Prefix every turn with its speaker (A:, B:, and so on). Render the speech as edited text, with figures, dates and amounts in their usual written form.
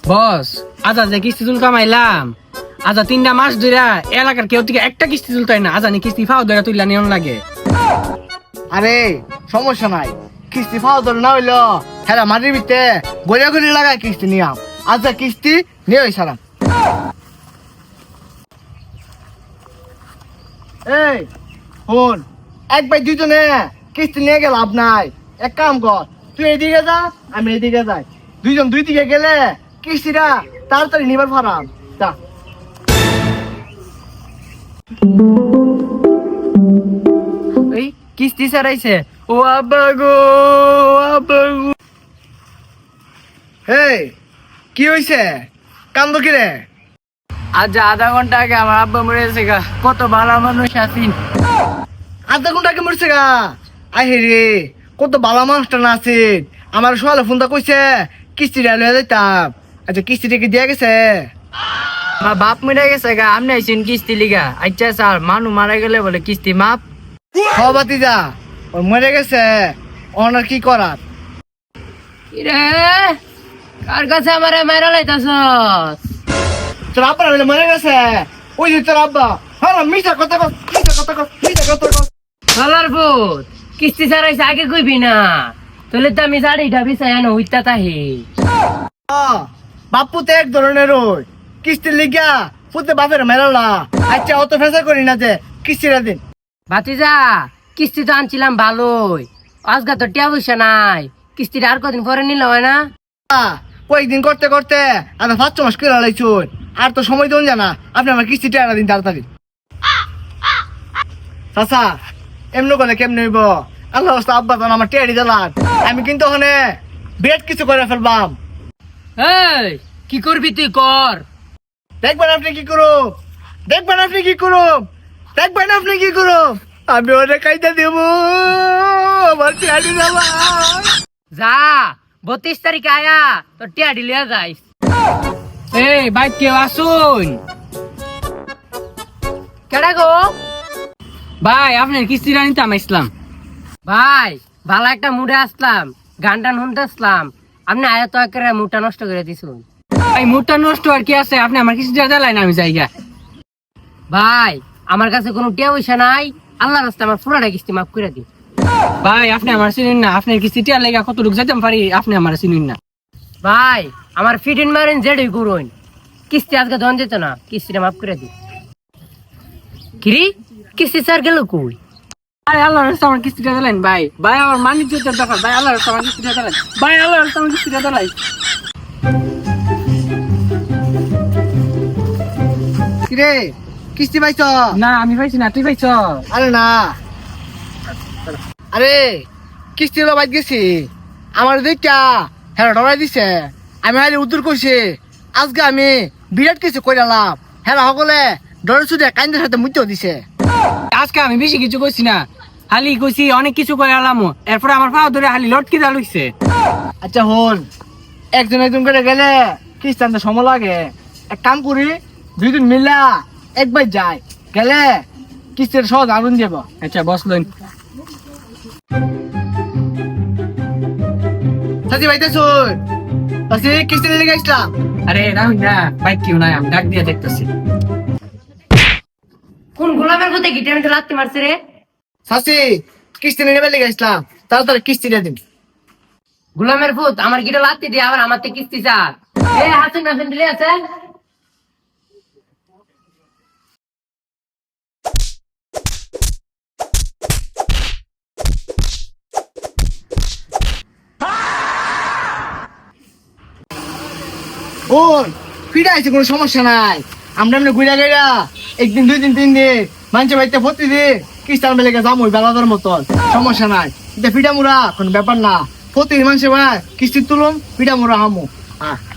A: বস আজা যে কিস্তি তুল কামাইলাম, আজা 3টা মাস ধরে এলাকার কেউ থেকে একটা কিস্তি তুলতাই না, আজানি কিস্তি ফাও ধরে তুললা নিয়ম লাগে।
B: আরে সমস্যা নাই, কিস্তি পাওয়া ধরে না হইলো হ্যাঁ মাটির ভিতরে গড়িয়া গড়ি লাগায় কিস্তি নিয়াম। আচ্ছা কিস্তি নিয়ে ওই সারাম। এই শোন, এক ভাই দুজনে কিস্তি নিয়ে গেল লাভ নাই। এক কাম কর, তুই এদিকে যা আমি এদিকে যাই, দুইজন দুই দিকে গেলে কিস্তিটা তাড়াতাড়ি নিবার পারাম। যা।
A: এই কিস্তি ছাড়াইছে, ও আব্বা গো, আব্বা গো।
B: এই কি হইছে, কান্দ কি রে?
A: আজ আধা ঘন্টা আগে আমার আব্বা মরে গেছে গা, কত ভালো মানুষ আছেন।
B: আধা ঘন্টা আগে মরছে গা? আই রে, কত ভালো মানুষটা না আছে। আমার সোয়ালে ফোনটা কইছে কিস্তিটা লয়ে যাইতাম। আচ্ছা কিস্তিটা কি দিয়া গেছে?
A: আমার বাপ মরে গেছে গা, আপনি আইছেন কিস্তি লিগা? আচ্ছা স্যার, মানু মারা গেলে বলে কিস্তি মাপ।
B: বাতি যা, ওর মরে গেছে, ওনার কি করার?
A: রে কার কাছে আমারে মারা লাইতাছস?
B: তোর আব্বা বলে মরে গেছে, ওই যে তোর আব্বা। হ্যাঁ মিশা কথা কর, মিশা কথা কর, মিশা কথা কর।
A: শালার ভূত, কিস্তি ছাড়াইছে আগে কইবি না, তাহলে তো আমি শাড়িটা বিছাই আনো হইতা তাহি।
B: বাপু তো এক ধরনের ওই কিস্তির লিগা পুতে বাপের মেলালা। আচ্ছা অত ফেসা করি না যে কিস্তিটা দিন।
A: ভাতিজা, কিস্তি তো আনছিলাম ভালোই, আজগা তো টিয়া পয়সা নাই, কিস্তিটা আর কদিন পরে নিলে হয় না?
B: কয়েকদিন করতে করতে আমি 5 মাস করে লাইছুন, আর তো সময় দেন জানা। আপনি আমার কিস্তিটা আনা দিন তাড়াতাড়ি। চাচা এমনি করে কেমনে হইব? আল্লাহ রাস্তা আব্বা তো আমার টেয়ারি দিলাম, আমি কিন্তু ওখানে বিরাট কিছু করে ফেলবাম।
A: এই কি করবি তুই কর।
B: দেখবেন আপনি কি করুন, দেখবেন আপনি কি করুন, দেখবেন আপনি কি করুন। আমি ওরে কাইটা দেব, আমার টেয়ারি দিলাম।
A: যা 32 তারিখে আয়া তোর টিয়া ডিলিয়া যাইস। এই বাইক কেউ আসুন। কেডা গো? ভাই আপনার কিস্তিটা নিতে আমি আসলাম। ভাই ভালো একটা মুডে আসলাম, গান টান শুনতে আসলাম, আপনি আয়া তো একেবারে মুডটা নষ্ট করে দিছুন। ভাই মুডটা নষ্ট আর কি আছে, আপনি আমার কিস্তিটা দিলেন আমি যাইগা। ভাই আমার কাছে কোনো টিয়া পয়সা নাই, আল্লাহর রাস্তায় আমার পুরাটা কিস্তি মাফ করে দিন। ভাই আপনি আমার চিনুন না, আপনার কিস্তি টিয়া লেগা কতটুকু যেতে পারি, আপনি আমার চিনুন না। ভাই আমার ফিটিন মারেন যেটাই করুন, কিস্তি আজকে ধন যেত না, কিস্তিটা মাফ করে দিন। কিরি কিস্তি স্যার গেল কই? ভাই আল্লাহর রাস্তায় আমার কিস্তিটা দিলেন। ভাই ভাই আমার মানিক যেতে দরকার, ভাই আল্লাহর রাস্তায় আমার কিস্তিটা দিলেন, ভাই আল্লাহর রাস্তায় আমার কিস্তিটা দিলেন।
B: কিরে কিস্তি পাইছ?
A: না আমি পাইছি না, তুই পাইছ?
B: আরে না, আরে কিস্তি হলো বাইক গেছি, আমার দুইটা হ্যাঁ ডরাই দিছে। আমি হালি উত্তর করছি, আজকে আমি বিরাট কিছু কইরালাম। হ্যাঁ সকলে ডরে শুধু কাইন্দের সাথে মুতেও দিছে।
A: আজকে আমি বেশি কিছু কইছি না, হালি কইছি অনেক কিছু করে আলাম, এরপরে আমার পা ধরে হালি লটকি দা লইছে।
B: আচ্ছা হন, একজন একজন করে গেলে কিস্তি আনতে সময় লাগে। এক কাম করি, দুইজন মিলা একবার যাই, গেলে কিস্তির সহজ আগুন যাব।
A: আচ্ছা বসলেন।
B: সাথী ভাইতে শুন, কিস্তি নিয়ে গেছিলাম।
A: আরে রাহুল না, বাইক কেউ নাই, আমি ডাক দিয়ে দেখতেছি। কোন গোলামের মধ্যে গিটে আমি তো লাত্তি মারছে রে?
B: সাসি কিস্তি নিয়ে বেলে গেছিলাম, তাড়াতাড়ি কিস্তিটা দিন।
A: গোলামের ভূত আমার গিটে লাত্তি দিয়ে আবার আমার থেকে কিস্তি চার। এ হাসেন হাসেন দিলে আছে।
B: ওই ফিরে আছে, কোনো সমস্যা নাই। আমরা এমনি ঘুরে গেরা একদিন দুই দিন তিন দিন মানুষের বাড়িতে ভর্তি দিন কিস্তি আনবে লেগে যাবো বেলাদার মতন, সমস্যা নাই। এটা ফিটা মুড়া কোনো ব্যাপার না, প্রতি মানুষের ভাই কিস্তি তুলুন ফিটা মুড়া হামু। হ্যাঁ